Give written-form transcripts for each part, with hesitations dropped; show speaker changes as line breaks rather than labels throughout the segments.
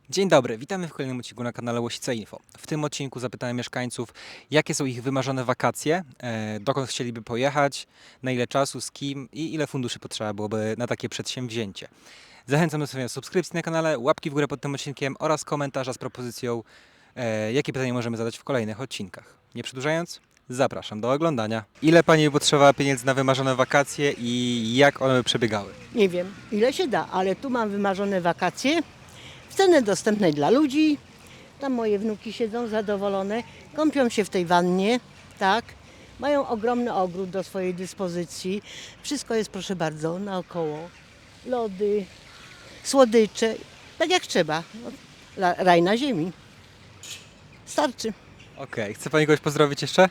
Dzień dobry, witamy w kolejnym odcinku na kanale Łosice Info. W tym odcinku zapytałem mieszkańców, jakie są ich wymarzone wakacje, dokąd chcieliby pojechać, na ile czasu, z kim i ile funduszy potrzeba byłoby na takie przedsięwzięcie. Zachęcam do zostawienia subskrypcji na kanale, łapki w górę pod tym odcinkiem oraz komentarza z propozycją, jakie pytania możemy zadać w kolejnych odcinkach. Nie przedłużając, zapraszam do oglądania. Ile Pani potrzebowała pieniędzy na wymarzone wakacje i jak one by przebiegały?
Nie wiem, ile się da, ale tu mam wymarzone wakacje w cenie dostępnej dla ludzi. Tam moje wnuki siedzą zadowolone, kąpią się w tej wannie, tak. Mają ogromny ogród do swojej dyspozycji. Wszystko jest, proszę bardzo, naokoło. Lody, słodycze, tak jak trzeba. No, raj na ziemi. Starczy.
Okej, chce Pani kogoś pozdrowić jeszcze?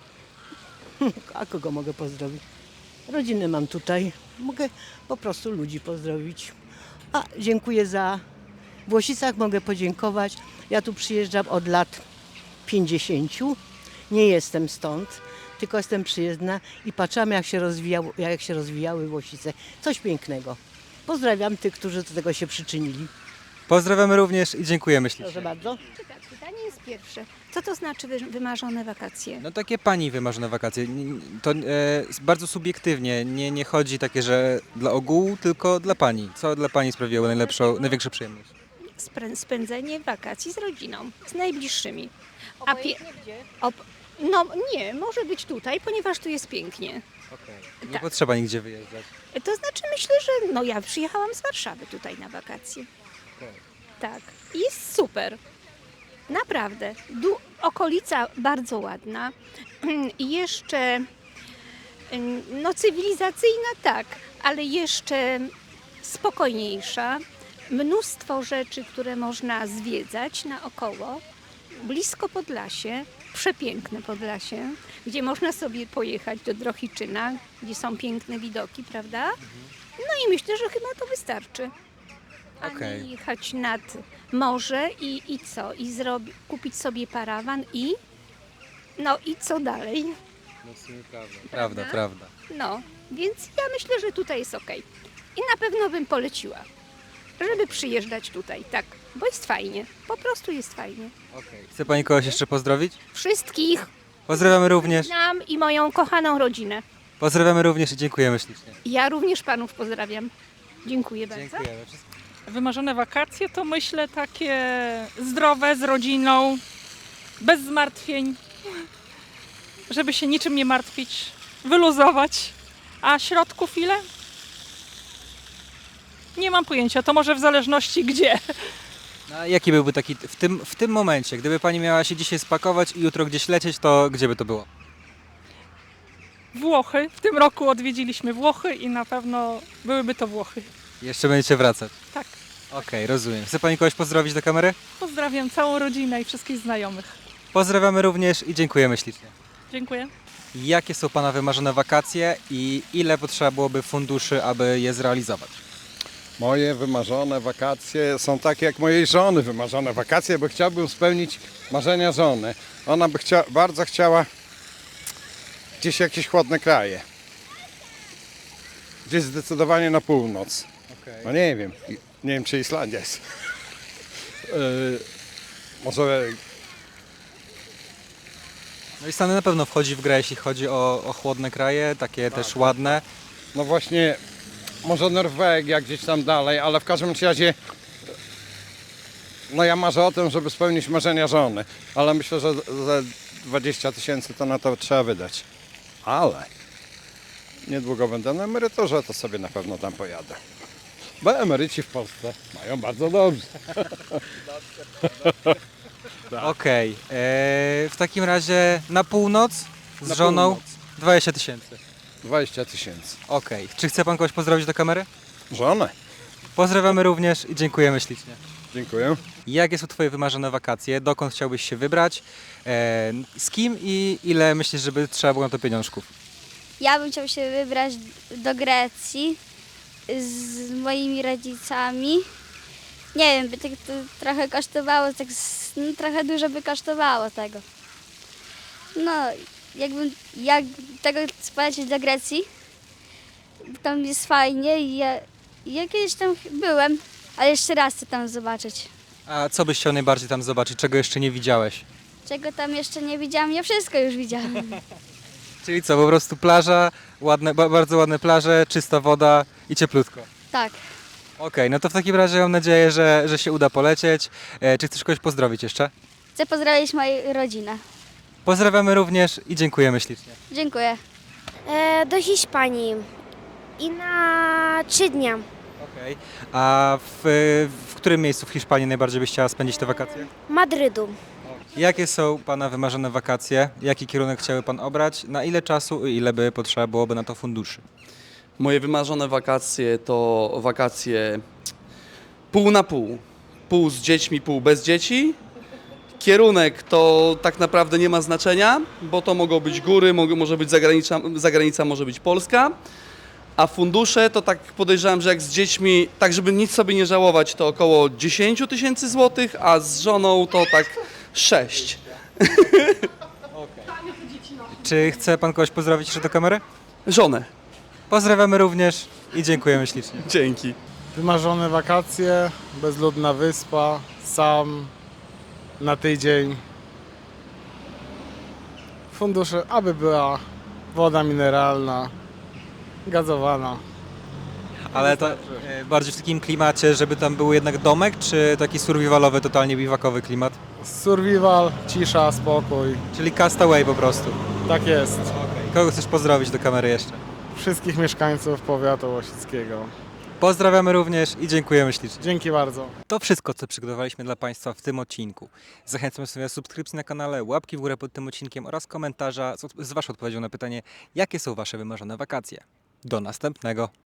A kogo mogę pozdrowić? Rodzinę mam tutaj. Mogę po prostu ludzi pozdrowić. A dziękuję w Łosicach mogę podziękować. Ja tu przyjeżdżam od lat 50. Nie jestem stąd, tylko jestem przyjezdna i patrzyłam jak się rozwijały Łosice. Coś pięknego. Pozdrawiam tych, którzy do tego się przyczynili.
Pozdrawiamy również i dziękujemy ślicznie.
Proszę bardzo.
Tak, pytanie jest pierwsze. Co to znaczy wymarzone wakacje?
No takie Pani wymarzone wakacje. To bardzo subiektywnie. Nie chodzi takie, że dla ogółu, tylko dla Pani. Co dla Pani sprawiło największą przyjemność?
Spędzenie wakacji z rodziną, z najbliższymi.
Gdzie?
No nie, może być tutaj, ponieważ tu jest pięknie.
Nie
Tak.
potrzeba nigdzie wyjeżdżać.
To znaczy myślę, że ja przyjechałam z Warszawy tutaj na wakacje. Tak, jest super. Naprawdę. Okolica bardzo ładna. I jeszcze cywilizacyjna tak, ale jeszcze spokojniejsza. Mnóstwo rzeczy, które można zwiedzać naokoło. Blisko Podlasie, przepiękne Podlasie, gdzie można sobie pojechać do Drohiczyna, gdzie są piękne widoki, prawda? No i myślę, że chyba to wystarczy. A
Okej.
nie jechać nad morze i co? I kupić sobie parawan i... No i co dalej?
No w sumie prawda. Prawda.
No, więc ja myślę, że tutaj jest okej. I na pewno bym poleciła, żeby przyjeżdżać tutaj, tak, bo jest fajnie, po prostu jest fajnie.
Chce Pani kogoś jeszcze pozdrowić?
Wszystkich
Pozdrawiamy również.
znam i moją kochaną rodzinę.
Pozdrawiamy również i dziękujemy ślicznie.
Ja również panów pozdrawiam. Dziękuję bardzo.
Dziękujemy.
Wymarzone wakacje to myślę takie zdrowe, z rodziną, bez zmartwień, żeby się niczym nie martwić, wyluzować. A środków ile? Nie mam pojęcia, to może w zależności gdzie.
No, a jaki byłby taki w tym momencie, gdyby Pani miała się dzisiaj spakować i jutro gdzieś lecieć, to gdzie by to było?
Włochy. W tym roku odwiedziliśmy Włochy i na pewno byłyby to Włochy.
Jeszcze będziecie wracać.
Tak.
Okej, rozumiem. Chce Pani kogoś pozdrowić do kamery?
Pozdrawiam całą rodzinę i wszystkich znajomych.
Pozdrawiamy również i dziękujemy ślicznie.
Dziękuję.
Jakie są Pana wymarzone wakacje i ile potrzeba byłoby funduszy, aby je zrealizować?
Moje wymarzone wakacje są takie jak mojej żony wymarzone wakacje, bo chciałbym spełnić marzenia żony. Ona by bardzo chciała gdzieś jakieś chłodne kraje. Gdzieś zdecydowanie na północ. No nie wiem czy Islandia jest. Może
No i Stany na pewno wchodzi w grę, jeśli chodzi o chłodne kraje, takie też ładne.
no właśnie, może Norwegia gdzieś tam dalej, ale w każdym razie no ja marzę o tym, żeby spełnić marzenia żony, ale myślę, że za 20 000 to na to trzeba wydać. Ale niedługo będę na emeryturze, to sobie na pewno tam pojadę. Bo emeryci w Polsce mają bardzo dobrze.
Okej, w takim razie na północ z
Na
żoną
północ.
20 000.
20 000.
Okej, czy chce Pan kogoś pozdrowić do kamery?
Żonę.
Pozdrawiamy również i dziękujemy ślicznie.
Dziękuję.
Jakie są Twoje wymarzone wakacje? Dokąd chciałbyś się wybrać? Z kim i ile myślisz, żeby trzeba było na to pieniążków?
Ja bym chciał się wybrać do Grecji z moimi rodzicami. Nie wiem, by tak to trochę kosztowało, trochę dużo by kosztowało tego. No, jak tego polecieć do Grecji, tam jest fajnie i ja kiedyś tam byłem, ale jeszcze raz chcę tam zobaczyć.
A co byś chciał najbardziej tam zobaczyć, czego jeszcze nie widziałeś?
Czego tam jeszcze nie widziałam? Ja wszystko już widziałam.
Czyli co, po prostu plaża, ładne, bardzo ładne plaże, czysta woda i cieplutko.
Tak.
Okej, no to w takim razie mam nadzieję, że się uda polecieć. Czy chcesz kogoś pozdrowić jeszcze?
Chcę pozdrowić moją rodzinę.
Pozdrawiamy również i dziękujemy ślicznie.
Dziękuję.
Do Hiszpanii i na 3 dnia.
Okej. A w którym miejscu w Hiszpanii najbardziej byś chciała spędzić te wakacje?
Madrydu.
Jakie są Pana wymarzone wakacje? Jaki kierunek chciałby Pan obrać? Na ile czasu i ile by potrzeba byłoby na to funduszy?
Moje wymarzone wakacje to wakacje pół na pół. Pół z dziećmi, pół bez dzieci. Kierunek to tak naprawdę nie ma znaczenia, bo to mogą być góry, może być zagranica może być Polska. A fundusze to tak podejrzewam, że jak z dziećmi, tak żeby nic sobie nie żałować, to około 10 000 złotych, a z żoną to tak 6.
Czy chce Pan kogoś pozdrowić jeszcze do kamery?
Żonę.
Pozdrawiamy również i dziękujemy ślicznie.
Dzięki.
Wymarzone wakacje, bezludna wyspa, sam, na tydzień. Fundusze, aby była woda mineralna, gazowana.
Ale to bardziej w takim klimacie, żeby tam był jednak domek, czy taki survivalowy, totalnie biwakowy klimat?
Survival, cisza, spokój.
Czyli castaway po prostu.
Tak jest.
Kogo chcesz pozdrowić do kamery jeszcze?
Wszystkich mieszkańców powiatu łosickiego.
Pozdrawiamy również i dziękujemy ślicznie.
Dzięki bardzo.
To wszystko, co przygotowaliśmy dla Państwa w tym odcinku. Zachęcam sobie do subskrypcji na kanale, łapki w górę pod tym odcinkiem oraz komentarza z Waszą odpowiedzią na pytanie, jakie są Wasze wymarzone wakacje. Do następnego.